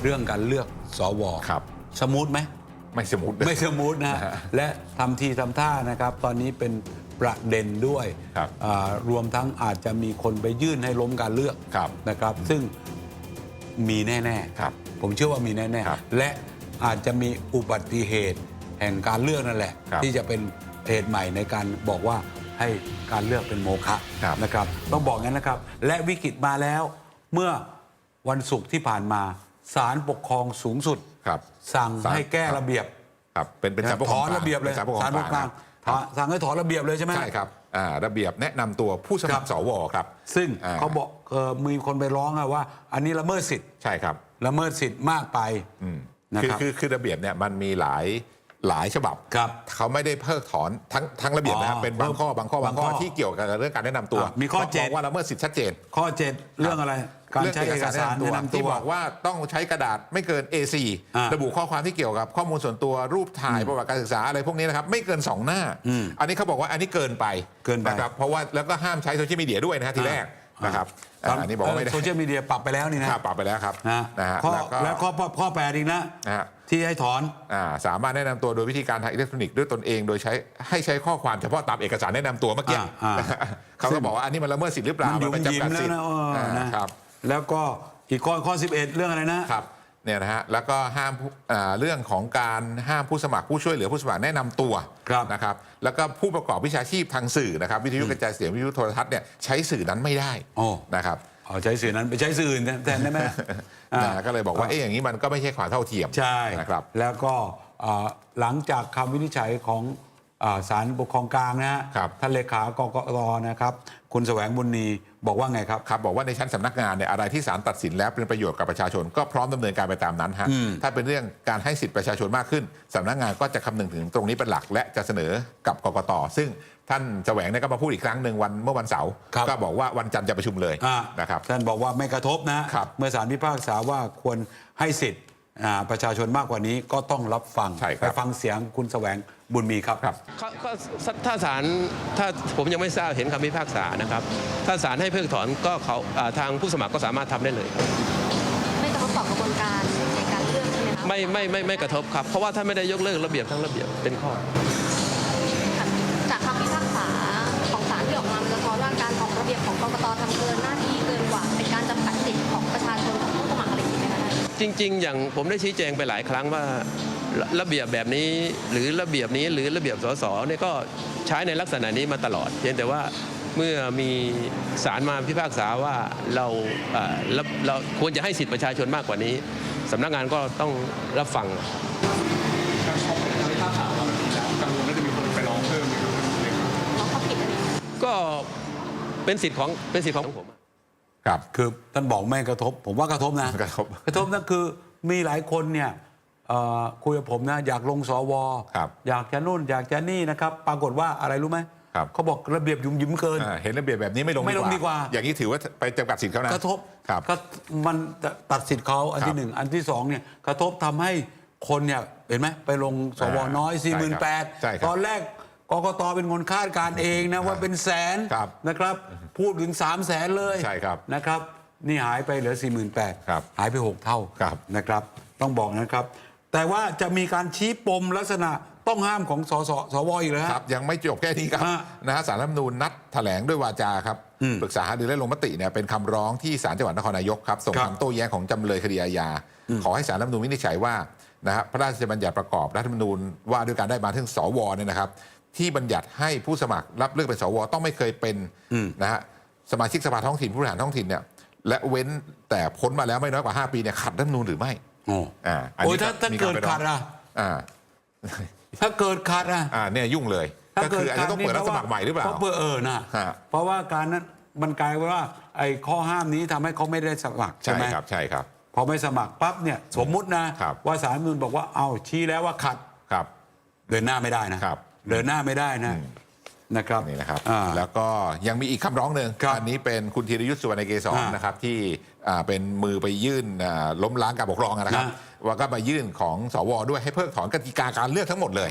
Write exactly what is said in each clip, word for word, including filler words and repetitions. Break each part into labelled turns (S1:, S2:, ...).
S1: เรื่องการเลือกสวครับสมูทไหม
S2: ไม่สมูท
S1: ไม่สมูทนะและทำทีทำท่านะครับตอนนี้เป็นประเด็นด้วยรวมทั้งอาจจะมีคนไปยื่นให้ล้มการเลือกนะครับซึ่งมีแน่ๆผมเชื่อว่ามีแน่ๆและอาจจะมีอุบัติเหตุแห่งการเลือกนั่นแหละที่จะเป็นเหตุใหม่ในการบอกว่าให้การเลือกเป็นโมฆะนะครับต้องบอกงั้นนะครับและวิกฤตมาแล้วเมื่อวันศุกร์ที่ผ่านมาศาลปกครองสูงสุดสั่งให้แก้ระเบียบ
S2: ครับเป็นเป็นศาลปกครอง
S1: ถอนระเบียบเลยศาลปกครองกลางสั่งให้ถอนระเบียบเลยใช่ไหม
S2: ใช่ครับระเบียบแนะนำตัวผู้สมัครสวครับ
S1: ซึ่งเขาบอกมีคนไปร้องว่าอันนี้ละเมิดสิทธิ์
S2: ใช่ครับ
S1: ละเมิดสิทธิ์มากไป
S2: คือคือคือระเบียบเนี่ยมันมีหลายหลายฉบับเขาไม่ได้เพิกถอนทั้งทั้งระเบียบนะครับเป็นบางข้อบางข้อบางข้อที่เกี่ยวกับเรื่องการแนะนำตัว
S1: มีข้อเจ็ด
S2: ว่าละเมิดสิทธิ์ชัดเจน
S1: ข้อเจ็ดเรื่องอะไรการใช้เอกสารแนะนำตัว
S2: ที่บอกว่าต้องใช้กระดาษไม่เกิน เอ โฟร์ ระบุข้อความที่เกี่ยวกับข้อมูลส่วนตัวรูปถ่ายประวัติการศึกษาอะไรพวกนี้นะครับไม่เกินสองหน้าอันนี้เขาบอกว่าอันนี้เกินไป
S1: เกินไป
S2: นะครับเพราะว่าแล้วก็ห้ามใช้โซเชียลมีเดียด้วยนะฮะทีแรกนะครับอันนี้บอกว่าไม่ได้
S1: โซเชียลมีเดียปรับไปแล้วนี่นะ
S2: ปรับไปแล้วครับ
S1: นะฮะแล้วข้อข้อแปดอีกนะที่ให้ถอน
S2: สามารถแนะนำตัวโดยวิธีการทางอิเล็กทรอนิกส์ด้วยตนเองโดยใช้ให้ใช้ข้อความเฉพาะตามเอกสารแนะนำตัวเมื่อกี้เขาก็บอกว่าอันนี้มันละเมิดสิทธิ์หรือเปล่า
S1: มันยุ่งยิ้มแล้วนะครับแล้วก็อีกข้อข้อสิบเอ็ดเรื่องอะไรนะครับ
S2: เนี่ยนะฮะแล้วก็ห้ามเรื่องของการห้ามผู้สมัครผู้ช่วยเหลือผู้สมัครแนะนำตัวนะครับแล้วก็ผู้ประกอบวิชาชีพทางสื่อนะครับวิทยุกระจายเสียงวิทยุโทรทัศน์เนี่ยใช้สื่อนั้นไม่ได้นะครับ
S1: เอาใช้สื่อนั้นไปใช้สื่ออื่นแทนได้ไหม
S2: ก็เลยบอกว่าเอ๊ะอย่างนี้มันก็ไม่ใช่ความเท่าเทียม
S1: ใช่
S2: นะครับ
S1: แล้วก็หลังจากคำวินิจฉัยของศาลปกครองกลางนะฮะท่านเลขากกตนะครับคุณแสวงบุญนีบอกว่าไงครับ
S2: ครับบอกว่าในชั้นสำนักงานเนี่ยอะไรที่ศาลตัดสินแล้วเป็นประโยชน์กับประชาชนก็พร้อมดำเนินการไปตามนั้นฮะถ้าเป็นเรื่องการให้สิทธิประชาชนมากขึ้นสำนักงานก็จะคำนึงถึงตรงนี้เป็นหลักและจะเสนอกับกกตซึ่งท่านแสวงเนี่ยก็มาพูดอีกครั้งหนึ่งวันเมื่อวันเสาร์ก็บอกว่าวันจันทร์จะประชุมเลยนะครับ
S1: ท่านบอกว่าไม่กระทบนะเมื่อศาลพิพากษาว่าควรให้สิทธิประชาชนมากกว่านี้ก็ต้องรับฟังไปฟังเสียงคุณแสวงบุญมีครับ
S3: ครับก็ถ้าศาลถ้าผมยังไม่ทราบเห็นคำพิพากษานะครับถ้าศาลให้เพิกถอนก็เขาทางผู้สมัครก็สามารถทำได้เลย
S4: ไม่กระทบต่อกระบวนการในการเลือกใช่ไหมครับ
S3: ไม่ไม่ไม่ไม่กระทบครับเพราะว่าถ้าไม่ได้ยกเลิกระเบียบทั้งระเบียบเป็นข้อ
S4: จากคำพิพากษาของศาลที่ออกมาสะท้อนว่าการออกระเบียบของกกตทำเกินหน้าที่เกินกว่าเป็นการจำกัดสิทธิของประชาชนของผู้สมัครอะไรอย่างนี้ไหมคะ
S3: จริงๆอย่างผมได้ชี้แจงไปหลายครั้งว่าระเบียบแบบนี้หรือระเบียบนี้หรือระเบียบสสเนี่ยก็ใช้ในลักษณะนี้มาตลอดเพียงแต่ว่าเมื่อมีศาลมาพิพากษาว่าเราเราควรจะให้สิทธิประชาชนมากกว่านี้สำนักงานก็ต้องรับฟัง
S5: การชอบการพิพากษาเราแล้วกังวลว่าจะมีคนไปร้องเพิ่มหรือ
S4: ร้องเขาผิดอะไร
S3: ก็เป็นสิทธิ์ของเป็นสิทธิ์ของผม
S1: ครับคือท่านบอกไม่กระทบผมว่ากระทบนะ
S2: กระทบ
S1: กระทบนั่นคือมีหลายคนเนี่ยคุยกับผมนะอยากลงสวอยากจะนู่นอยากจะนี่นะครับปรากฏว่าอะไรรู้ไหมเขาบอกระเบียบยุ่มยิ้มเกิน
S2: เห็นระเบียบแบบนี้ไม่ลง
S1: ไม่ลงดีกว่า
S2: อย่างนี้ถือว่าไปจำกัดสิทธิ์เขานะ
S1: กระทบก็มันตัดสิทธิ์เขาอันที่หนึ่งอันที่สองเนี่ยกระทบทำให้คนเนี่ยเห็นไหมไปลงสวน้อย สี่หมื่นแปดพัน ตอนแรกกกตเป็นคนคาดการเองนะว่าเป็นแสนนะครับพูดถึงสามแสนเลยนะครับนี่หายไปเหลือ สี่หมื่นแปดพัน หายไปหกเท่านะครับต้องบอกนะครับแต่ว่าจะมีการชี้ปมลักษณะต้องห้ามของสสสวอีกเลย
S2: ครับยังไม่จบแค่นี้ครับนะฮะศาลรัฐธรรมนูญนัดแถลงด้วยวาจาครับปรึกษาหารือและลงมติเนี่ยเป็นคำร้องที่ศาลจังหวัดนครนายกครับส่งคำโต้แย้งของจำเลยคดีอาญาขอให้ศาลรัฐธรรมนูญวินิจฉัยว่านะฮะพระราชบัญญัติประกอบรัฐธรรมนูญว่าด้วยการได้มาถึงสวเนี่ยนะครับที่บัญญัติให้ผู้สมัครรับเลือกเป็นสวต้องไม่เคยเป็นนะฮะสมาชิกสภาท้องถิ่นผู้บริหารท้องถิ่นเนี่ยและเว้นแต่พ้นมาแล้วไม่น้อยกว่าห้าปีเนี่ยขัดรัฐธรรมนูญหรือไม่
S1: โอ้โอ้ถ้าถ้าเกิดขัดอ่ะถ้าเกิดขัดอ่ะ
S2: เนี่ยยุ่งเลยก็คืออาจจะต้องเปิดรับสมัครใหม่หรือเปล่า
S1: เพราะเออนะเพราะว่าการนั้นมันกลายว่าไอ้ข้อห้ามนี้ทำให้เขาไม่ได้สมัครใช่ไหม
S2: ครับใช่ครับ
S1: พอไม่สมัครปั๊บเนี่ยสมมุตินะว่าศาลรัฐธรรมนูญบอกว่าเอาชี้แล้วว่าขัด
S2: ครับ
S1: เดินหน้าไม่ได้นะเดินหน้าไม่ได้นะนะครับ
S2: นี่นะครับแล้วก็ยังมีอีกคำร้องหนึ่งอันนี้เป็นคุณธีรยุทธสุวรรณเกษรนะครับที่เป็นมือไปยื่นล้มล้างการปกครองนะครับว่าก็มายื่นของสวด้วยให้เพิกถอนกติกาการเลือกทั้งหมดเลย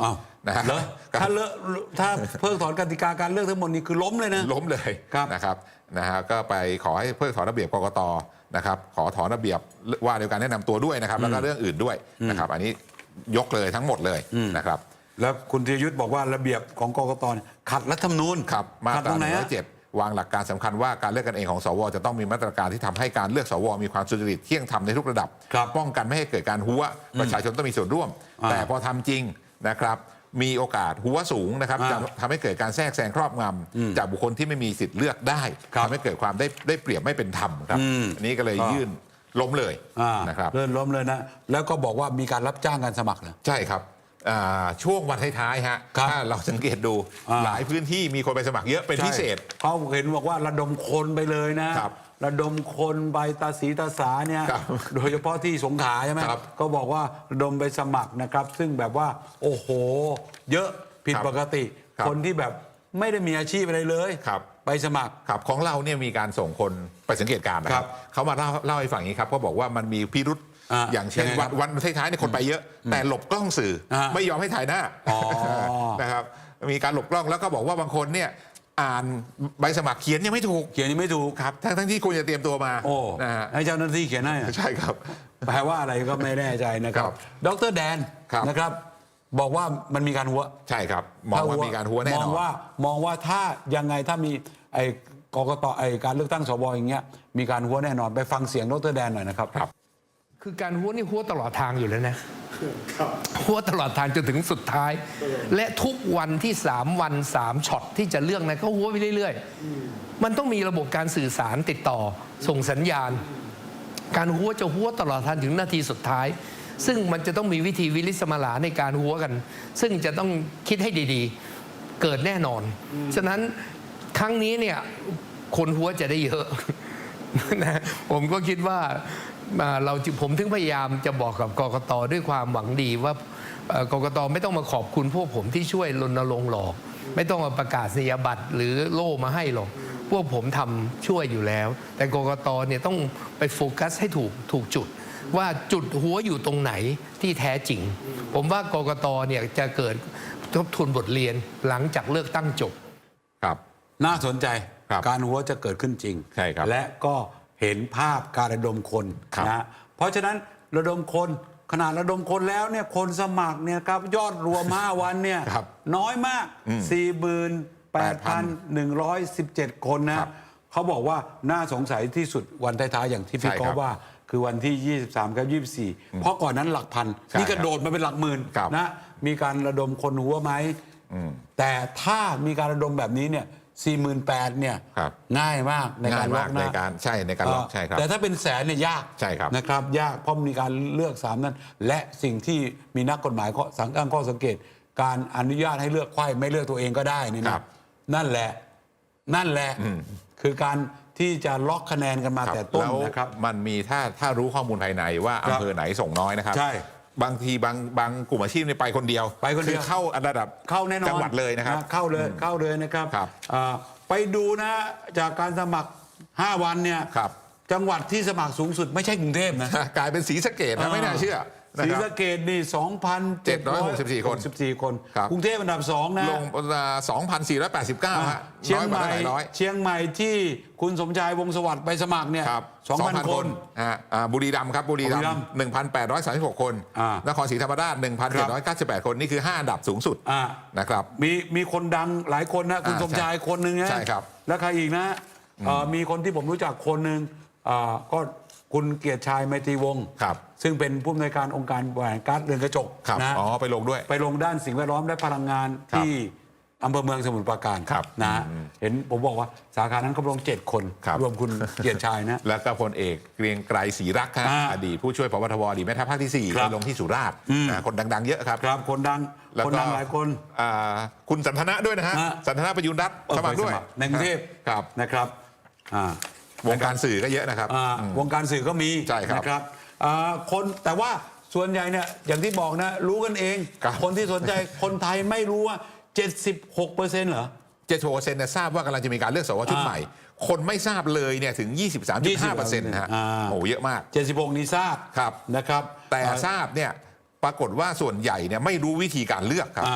S2: นะฮะ
S1: เหรอถ้าเลอะถ้าเพิกถอนกติกาการเลือกทั้งหมดนี้คือล้มเลยนะ
S2: ล้มเลย
S1: ครับ
S2: นะครับนะฮะก็ไปขอให้เพิกถอนระเบียบกกตนะครับขอถอนระเบียบว่าด้วยการแนะนำตัวด้วยนะครับแล้วก็เรื่องอื่นด้วยนะครับอันนี้ยกเลยทั้งหมดเลยนะครับ
S1: แล้วคุณธีรยุทธ์บอกว่าระเบียบของกกตเนี่ยขัดรัฐธรรมนูญ
S2: ครับมา
S1: ขัด
S2: ต
S1: ต
S2: รา
S1: รงไหน
S2: หนึ่งร้
S1: ฮะ
S2: อยเจ็ดวางหลักการสำคัญว่าการเลือกกันเองของสวจะต้องมีมาตรการที่ทำให้การเลือกสวมีความสุจริตเที่ยงธรรมในทุกระดับ
S1: ครับ
S2: ป้องกันไม่ให้เกิดการหัวประชาชนต้องมีส่วนร่วม
S1: อ่า
S2: แต่พอทำจริงนะครับมีโอกาสหัวสูงนะครับ
S1: อ่า
S2: จะทำให้เกิดการแทรกแซงครอบงำจากบุคคลที่ไม่มีสิทธิ์เลือกได้
S1: ครับ
S2: ทำให้เกิดความได้ได้เปรียบไม่เป็นธรรมครับ
S1: อืม
S2: อันนี้ก็เลย
S1: ก็
S2: ยื่นล้มเลย
S1: อ่า
S2: นะครับ
S1: เลื่อนล้มเลยนะ แล้วก็บอกว่ามีการรับจ้างการสมัครเหรอ
S2: ใช่ครับอ่าช่วงวันท้ายๆฮะ
S1: ครับ
S2: ถ้าเราสังเกตดู
S1: อ่า
S2: หลายพื้นที่มีคนไปสมัครเยอะเป็นพิเศษ
S1: ใช่เขาเห็นบอกว่าระดมคนไปเลยนะครับ ระดมคนไปตาสีตาสาเนี่ย
S2: ครับ
S1: โดยเฉพาะที่สงขลาใช่ไหม
S2: ครับ
S1: ก็บอกว่าระดมไปสมัครนะครับ ซึ่งแบบว่าโอ้โห เยอะผิด
S2: ครับ
S1: ปกติ
S2: ครับ
S1: คนที่แบบไม่ได้มีอาชีพอะไรเลย
S2: ครับ
S1: ไปสมัคร
S2: ครับของเราเนี่ยมีการส่งคนไปสังเกตการณ์นะค
S1: ครั
S2: รับบ เขามาเล่าเล่าให้ฟังอย่างนี้ครับก็บอกว่ามันมีพิรุษ
S1: อ่า
S2: อย่างเช่น
S1: ยังไงครั
S2: วัน
S1: บ
S2: วันท้ายๆเนี่ยคนไปเยอะ แต่หลบกล้องสื่ออา ไม่ยอมให้ถ่ายหน้า
S1: อ๋อ
S2: นะครับมีการหลบกล้องแล้วก็บอกว่าบางคนเนี่ยอ่านใบสมัครเขียนยังไม่ถูก
S1: เขียนยังไม่ถูก
S2: ครับทั้งทั้งที่คุณจะเตรียมตัวมา
S1: โอ้
S2: นะฮะ
S1: ให้เจ้าหน้าที่เขียนให้อะ
S2: ใช่ครับ
S1: แปลว่าอะไรก็ไม่แน่ใจนะครับ
S2: ครับ
S1: ดรแดน
S2: ครับ
S1: นะครับ บอกว่ามันมีการหัว
S2: ใช่ครับมองว่ามีการหัวแน่น
S1: ม
S2: อ
S1: อง
S2: น
S1: ว่ามองว่าถ้ายังไงถ้ามีไอ้กกตไอ้การเลือกตั้งสวอย่างเงี้ยมีการหัวแน่นอนไปฟังเสียงดรแดนหน่อยนะครับ
S2: ครับ
S6: คือการหัวนี่หัวตลอดทางอยู่แล้วนะหัวตลอดทางจนถึงสุดท้าย และทุกวันที่สามวันสามช็อตที่จะเลือกนะก็หัวไปเรื่อยๆมันต้องมีระบบการสื่อสารติดต่อส่งสัญญาณ การหัวจะหัวตลอดทางถึงนาทีสุดท้าย ซึ่งมันจะต้องมีวิธีวิลิสมาลาในการหัวกัน ซึ่งจะต้องคิดให้ดีๆ เกิดแน่นอน ฉะนั้นครั้งนี้เนี่ยคนหัวจะได้เยอะ นะผมก็คิดว่าอ่าเราผมถึงพยายามจะบอกกับกกตด้วยความหวังดีว่าเอ่อกกตไม่ต้องมาขอบคุณพวกผมที่ช่วยรณรงค์หรอก ไม่ต้องมาประกาศนียบัตรหรือโล่มาให้หรอก พวกผมทำช่วยอยู่แล้ว แต่กกตเนี่ยต้องไปโฟกัสให้ถูกถูกจุด ว่าจุดหัวอยู่ตรงไหนที่แท้จริง ผมว่ากกตเนี่ยจะเกิดทบทวนบทเรียนหลังจากเลือกตั้งจบ
S2: ครับ
S1: น่าสนใจ
S2: ครับ
S1: การหัวจะเกิดขึ้นจริง
S2: ใช่ครับ
S1: และก็เห็นภาพการระดมคน
S2: ครับ
S1: นะเพราะฉะนั้นระดมคนขนาดระดมคนแล้วเนี่ยคนสมัครเนี่ยครับยอดรวม ห้า วันเนี่ย
S2: ครับ
S1: น้อยมาก สี่หมื่นแปดพันหนึ่งร้อยสิบเจ็ด คนนะครับ เขาบอกว่าน่าสงสัยที่สุดวันท้ายๆอย่างที่พี่
S2: ใช่
S1: กอ
S2: ครับ
S1: ฟว่า คือวันที่ ยี่สิบสาม กับ ยี่สิบสี่ เพราะก่อนนั้นหลักพัน
S2: ใช่
S1: นี่กระโดดมาเป็นหลักหมื่น
S2: ครับ
S1: นะมีการระดมคนหัวไหม แต่ถ้ามีการระดมแบบนี้เนี่ย สี่หมื่นแปดพัน เนี่ย
S2: ครับ
S1: ง่ายมากในการ
S2: ง่าย
S1: ล็
S2: มา
S1: อก ก
S2: ใน
S1: นะ
S2: การใช่ในการล็อกใช่ครับ
S1: แต่ถ้าเป็นแสนเนี่ยยาก
S2: ใช่ครับ
S1: นะครับ ยากเพราะมีการเลือกสามนั้น และสิ่งที่มีนักกฎหมายข้อสังตั้งข้อสังเกต การอนุญาตให้เลือกไขว้ไม่เลือกตัวเองก็ได้นี่
S2: ครั
S1: นะ
S2: บ
S1: นั่นแหละนั่นแหละคือการที่จะล็อกคะแนนกันมา
S2: ครับ
S1: แต่ต้น
S2: แล้ว
S1: นะครับ
S2: มันมีถ้าถ้ารู้ข้อมูลภายในว่า
S1: ครับ
S2: อำเภอไหนส่งน้อยนะครับ
S1: ใช่
S2: บางทีบางบางกลุ่มอาชีพเนี่ยไปคนเดียว
S1: ไปคนเดียว
S2: อเข้าระดับ
S1: เข้าแน่นอน
S2: จังหวัดเลยนะครับ
S1: เข้าเลยเข้าเลยนะครับ
S2: ครับ
S1: อ่าไปดูนะจากการสมัคร ห้า วันเนี่ย
S2: ครับ
S1: จังหวัดที่สมัครสูงสุดไม่ใช่กรุงเทพนะ
S2: กลายเป็นศรีสะเกดนะไม่น่าเชื่อนะ
S1: ศรี
S2: ครับ
S1: สะเกษนี่ สองพันเจ็ดร้อยหกสิบสี่ คนสิบสี่คน
S2: ครับ
S1: กรุงเทพอันดับสองนะ
S2: ลงสองพันสี่ร้อยแปดสิบเก้าฮะ
S1: เชียง
S2: น้อยก
S1: ให
S2: ว่า
S1: ม่
S2: หลายร้อย
S1: เชียงใหม่ที่คุณสมชายวงศ์สวัสดิ์ไปสมัครเนี่ย
S2: ครับ
S1: สองพัน คน
S2: ฮะอ่าบุรีรัมย์ครับบุรีรัม
S1: บุรีรัมย์
S2: ย์หนึ่งพันแปดร้อยสามสิบหกคน
S1: อ่าน
S2: ครศรีธรรมราชหนึ่งพันเจ็ดร้อยเก้าสิบแปดคนนี่คือห้าอันดับสูงสุด
S1: อ่า
S2: นะครับ
S1: มีมีคนดังหลายคนนะคุณ
S2: อ่า
S1: สมชายคนหนึ่งนะ
S2: ใช่ครับ
S1: แล้วใครอีกนะเอ่อมีคนที่ผมรู้จักคนหนึ่งอ่าก็คุณเกียรติชายไมตรีวงศ์
S2: ครับ
S1: ซึ่งเป็นผู้อำนวยการองค์การบริหารก๊าซเรือนกระจก
S2: ครับ
S1: นะ
S2: อ๋อไปลงด้วย
S1: ไปลงด้านสิ่งแวดล้อมและพลังงาน
S2: ครับ
S1: ที่อำเภอเมืองสมุทรปราการ
S2: ครับ
S1: นะ
S2: อืม
S1: เห็นผมบอกว่าสาขานั้นเขาลงเจ็ดคน
S2: ครับ
S1: รวมคุณเกียรติชายนะ
S2: แล้วก็พลเอกเกรียงไกรศรีรักษ์ครับ
S1: อ่า
S2: อดีตผู้ช่วยพบทบอดีตแม่ทัพภาคที่สี่
S1: ครับ
S2: ไปลงที่สุราษฎร์อ่าคนดังๆเยอะครับ
S1: ครับคนดัง
S2: แล้ว
S1: คน
S2: ก็
S1: ดังหลายคน
S2: อ่าคุณสันทนะด้วยนะฮะ
S1: ฮะ
S2: สันทนะประยุนรัตน์
S1: เออ
S2: สมัครด้วย
S1: ไปในกรุงเทพ
S2: ครับ
S1: นะครับอ่า
S2: วงการสื่อก็เยอะนะครับ
S1: อ่า
S2: อืม
S1: วงการสื่อก็มี
S2: ใช่ครับ
S1: นะครับอ่าคนแต่ว่าส่วนใหญ่เนี่ยอย่างที่บอกนะ รู้กันเอง
S2: ครับ
S1: คนที่สนใจ คนไทยไม่รู้ว่า เจ็ดสิบหกเปอร์เซ็นต์ เหรอ
S2: เจ็ดสิบหกเปอร์เซ็นต์เนี่ยทราบว่ากำลังจะมีการเลือกสวชุด
S1: อ่า
S2: ใหม่ คนไม่ทราบเลยเนี่ยถึง ยี่สิบสามจุดห้าเปอร์เซ็นต์ นะฮะ
S1: อ่า
S2: โอ้โหเยอะมาก
S1: เจ็ดสิบหกนี่ทราบ
S2: ครับ
S1: นะครับ
S2: แต่
S1: อ่า
S2: ทราบเนี่ยปรากฏว่าส่วนใหญ่เนี่ยไม่รู้วิธีการเลือกครับ
S1: อ่า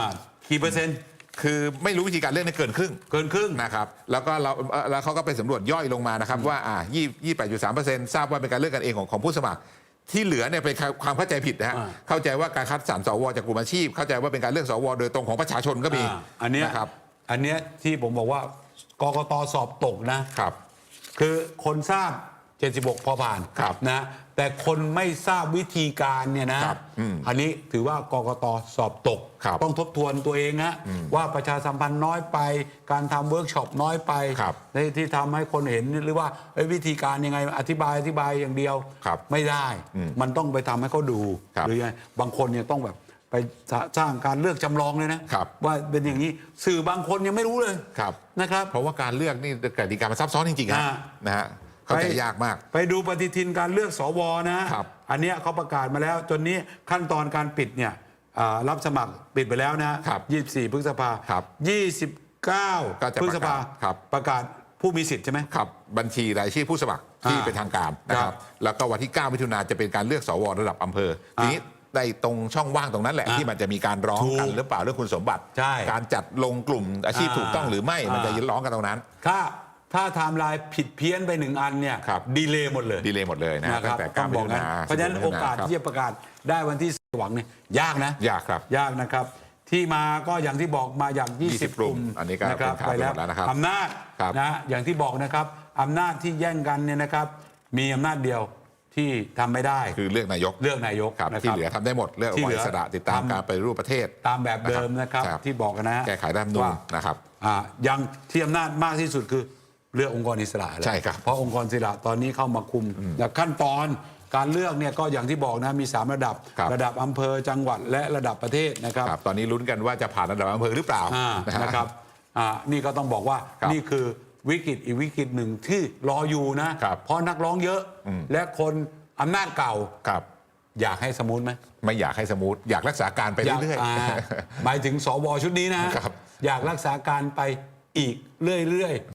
S1: กี่เปอร์เซ็นต์
S2: คือไม่รู้วิธีการเลือกในเกินครึ่ง
S1: เกินครึ่ง
S2: นะครับแล้วก็เราเอ่อแล้วเขาก็ไปสำรวจย่อยลงมานะครับว่าอ่ายี่แปดจุดสามเปอร์เซ็นต์ทราบว่าเป็นการเลือกกันเองของของผู้สมัคร ที่เหลือเนี่ยเป็นความเข้าใจผิดนะฮะ
S1: อ่า
S2: เข้าใจว่าการคัดสรรสวจากกลุ่มอาชีพ เข้าใจว่าเป็นการเลือกสวโดยตรงของประชาชนก็มี
S1: อ่าอันเนี้ย
S2: นะครับ
S1: อันเนี้ยที่ผมบอกว่ากกตสอบตกนะ
S2: ครับ
S1: คือคนทราบ เจ็ดสิบหก พอผ่าน
S2: ครับ
S1: นะแต่คนไม่ทราบวิธีการเนี่ยนะครับ
S2: อืม
S1: อันนี้ถือว่ากกตสอบตก
S2: ครับ
S1: ต้องทบทวนตัวเองฮะว่าประชาสัมพันธ์น้อยไป การทำเวิร์กช็อปน้อยไป
S2: ครับ
S1: ในที่ทำให้คนเห็นหรือว่าเอ้ยวิธีการยังไงอธิบายอธิบายอย่างเดียว
S2: ครับ
S1: ไม่ได้
S2: อืม
S1: มันต้องไปทำให้เขาดู
S2: ครับ
S1: หรือยังไงบางคนเนี่ยต้องแบบไปสร้างการเลือกจำลองเลยนะครับ ว่าเป็นอย่างนี้สื่อบางคนยังไม่รู้เลย
S2: ครับ
S1: นะครับ
S2: เพราะว่าการเลือกนี่กติกามันซับซ้อนจริงๆฮะ
S1: อ่า
S2: นะฮะเข้าใจยากมาก
S1: ไปดูปฏิทินการเลือกสวนะครับ อันเนี้ยเขาประกาศมาแล้ว จนนี้ขั้นตอนการปิดเนี่ยอ่ารับสมัครปิดไปแล้วนะครับ ยี่สิบสี่พฤษภา
S2: ครับ
S1: ยี่สิบเก้า
S2: ก็จะ
S1: พฤษภา
S2: ประกาศครับ
S1: ประกาศผู้มีสิทธิ์ใช่ไหม
S2: ครับบัญชีรายชื่อผู้สมัครที่
S1: อ่า
S2: เป็นทางการนะค
S1: ครั
S2: รับบ แล้วก็วันที่เก้ามิถุนาจะเป็นการเลือกสวระดับอำเภอทีนี้ในตรงช่องว่างตรงนั้นแหละ
S1: อ่า
S2: ที่มันจะมีการร้อง
S1: ถูก
S2: กันหรือเปล่าเรื่องคุณสมบัติ
S1: ใช่
S2: การจัดลงกลุ่มอาชีพ
S1: อ่า
S2: ถูกต้องหรือไม่มันจะ
S1: อ่า
S2: ร้องกันตรงนั้น
S1: ถ้าถ้าไทม์ไลน์ผิดเพี้ยนไปหนึ่งอันเนี่ย
S2: ครับ
S1: ดีเลย์หมดเลย
S2: ดีเลยหมดเลยนะ
S1: นะค
S2: ตั้
S1: รับ
S2: งแต่
S1: ต้
S2: เก้า
S1: อง
S2: มิ
S1: บอก
S2: ถุ
S1: นะ
S2: นา
S1: เพราะฉะนั้นโอกาสที่จะประกาศได้วันที่หวังเนี่ยยากนะ
S2: ยากครับ
S1: ยากนะครับ ที่มาก็อย่างที่บอกมาอย่าง ยี่สิบ
S2: ยี่สิบกลุ่มอันนี้ก็
S1: ะครับ
S2: เป็นข่าวไปหมดแล้วนะครับ
S1: อำนาจ
S2: ครับ
S1: นะอย่างที่บอกนะครับอำนาจที่แย่งกันเนี่ยนะครับ มีอำนาจเดียวที่ทำไม่ได้
S2: คือเลือกนายก
S1: เลือกนายก
S2: ครับ
S1: นะค
S2: ที่
S1: รับ
S2: เหลือทำได้หมดเลือกองค์กรอิสระติดตาม
S1: ทำ
S2: การไปฏิรูปประเทศ
S1: ตามแบบเดิมนะครับ
S2: ครับ
S1: ที่บอกกันนะ
S2: แก้ไขรัฐธรรมนูญ
S1: ว่า
S2: นะครับ
S1: อ่ายังที่อำนาจมากที่สุดคือเลือกองค์กรอิสระแหละ
S2: ใช่ครับ
S1: เพราะองค์กรอิสระตอนนี้เข้ามาคุมแต่ขั้นตอนการเลือกเนี่ยก็อย่างที่บอกนะมีสามระดับ
S2: ครับ
S1: ระดับอำเภอจังหวัดและระดับประเทศนะครับ
S2: ครับตอนนี้ลุ้นกันว่าจะผ่านระดับอำเภอหรือเปล่า
S1: อ่า
S2: นะฮะ
S1: นะครับอ่านี่ก็ต้องบอกว่า
S2: ครับ
S1: นี่คือวิกฤตอีกวิกฤตหนึ่งที่รออยู่นะ
S2: ครับ
S1: เพราะนักร้องเยอะ
S2: อืม
S1: และคนอำนาจเก่า
S2: ครับ
S1: อยากให้สมูทไหม
S2: ไม่อยากให้สมูทอยากรักษาการไป
S1: อยาก
S2: เรื่อย
S1: อ่าหมายถึงสวชุดนี้นะครับ อยากรักษาการไปอีกเรื่อย